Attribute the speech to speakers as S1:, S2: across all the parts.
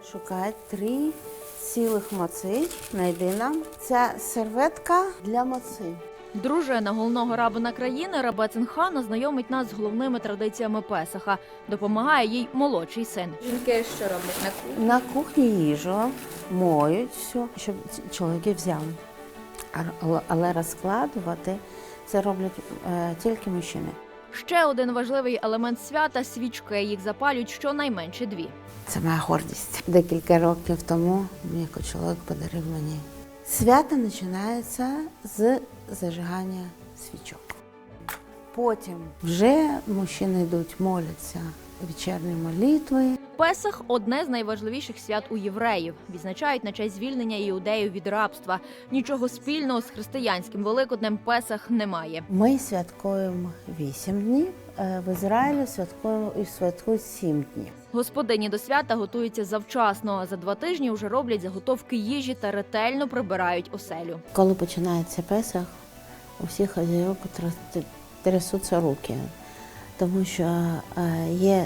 S1: Шукай 3 цілих моци, знайди нам. Ця серветка для моци.
S2: Дружина головного рабина країни Рабецин Хана знайомить нас з головними традиціями Песаха. Допомагає їй молодший син.
S3: Жінки що роблять на кухні?
S1: На кухні їжу моють все, щоб чоловіки взяли. Але розкладувати це роблять тільки мужчини.
S2: Ще один важливий елемент свята – свічки. Їх запалюють щонайменше 2.
S1: Це моя гордість. Декілька років тому мій чоловік подарив мені. Свято починається з зажигання свічок. Потім вже мужчини йдуть, моляться вечірні молитви.
S2: Песах – одне з найважливіших свят у євреїв. Відзначають на честь звільнення іудеїв від рабства. Нічого спільного з християнським Великоднем Песах немає.
S1: Ми святкуємо 8 днів, в Ізраїлі святкують 7 днів.
S2: Господині до свята готуються завчасно. За 2 тижні вже роблять заготовки їжі та ретельно прибирають оселю.
S1: Коли починається Песах, у всіх хазяйок трясуться руки, тому що є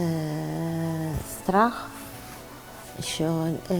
S1: страх, що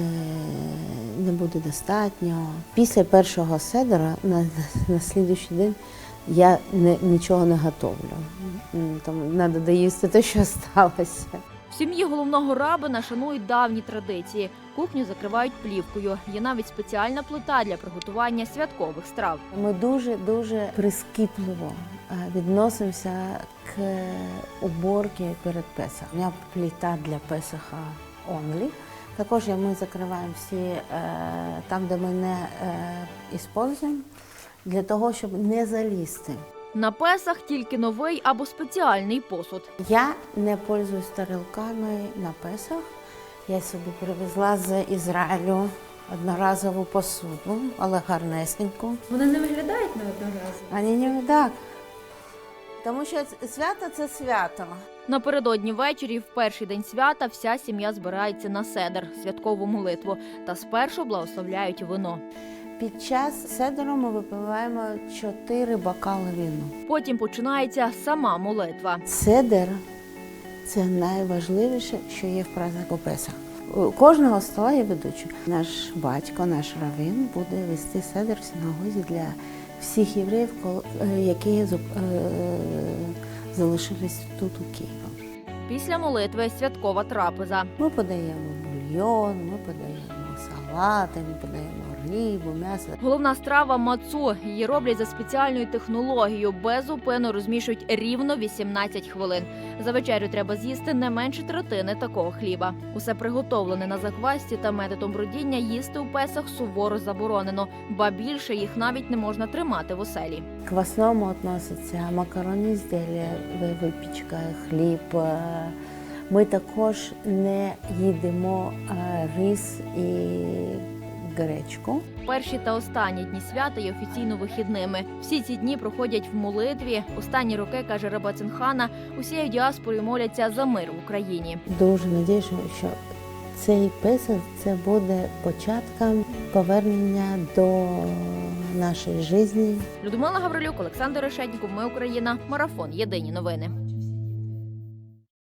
S1: не буде достатньо. Після першого седера на наступний день я нічого не готовлю. Тому треба доїсти те, що залишилося.
S2: В сім'ї головного рабина шанують давні традиції. Кухню закривають плівкою. Є навіть спеціальна плита для приготування святкових страв.
S1: Ми дуже прискіпливо відносимося к уборці перед Песахом. У мене плита для Песаха only. Також ми закриваємо всі там, де ми не використовуємо, для того, щоб не залізти.
S2: На Песах тільки новий або спеціальний посуд.
S1: Я не пользуюсь тарілками на Песах. Я собі привезла з Ізраїлю одноразову посуду, але гарнесеньку.
S3: Вони не виглядають на одноразово?
S1: Вони не так. Тому що свято – це свято.
S2: Напередодні ввечері, в перший день свята, вся сім'я збирається на седер – святкову молитву, та спершу благословляють вино.
S1: Під час седеру ми випиваємо 4 бокали вина.
S2: Потім починається сама молитва.
S1: Седер – це найважливіше, що є в празднику Песах. У кожного стола є ведучий. Наш батько, наш раввин буде вести седер в синагозі для всіх євреїв, які залишились тут у Києві.
S2: Після молитви святкова трапеза.
S1: Ми подаємо бульйон, ми подаємо салати, ми подаємо рибу, м'ясо.
S2: Головна страва – мацу. Її роблять за спеціальною технологією. Безупинно розмішують рівно 18 хвилин. За вечерю треба з'їсти не менше третини такого хліба. Усе приготовлене на заквасці та методом бродіння їсти у Песах суворо заборонено. Ба більше їх навіть не можна тримати в оселі.
S1: К основному відносяться макаронні ізділля, випічка, хліб. Ми також не їдимо рис і гречку.
S2: Перші та останні дні свята є офіційно вихідними. Всі ці дні проходять в молитві. Останні роки, каже Рабецин Хана, усією діаспорою моляться за мир в Україні.
S1: Дуже сподіваюся, що цей Песах – це буде початком повернення до нашої життя.
S2: Людмила Гаврилюк, Олександр Решетніков. Ми Україна. Марафон. Єдині новини.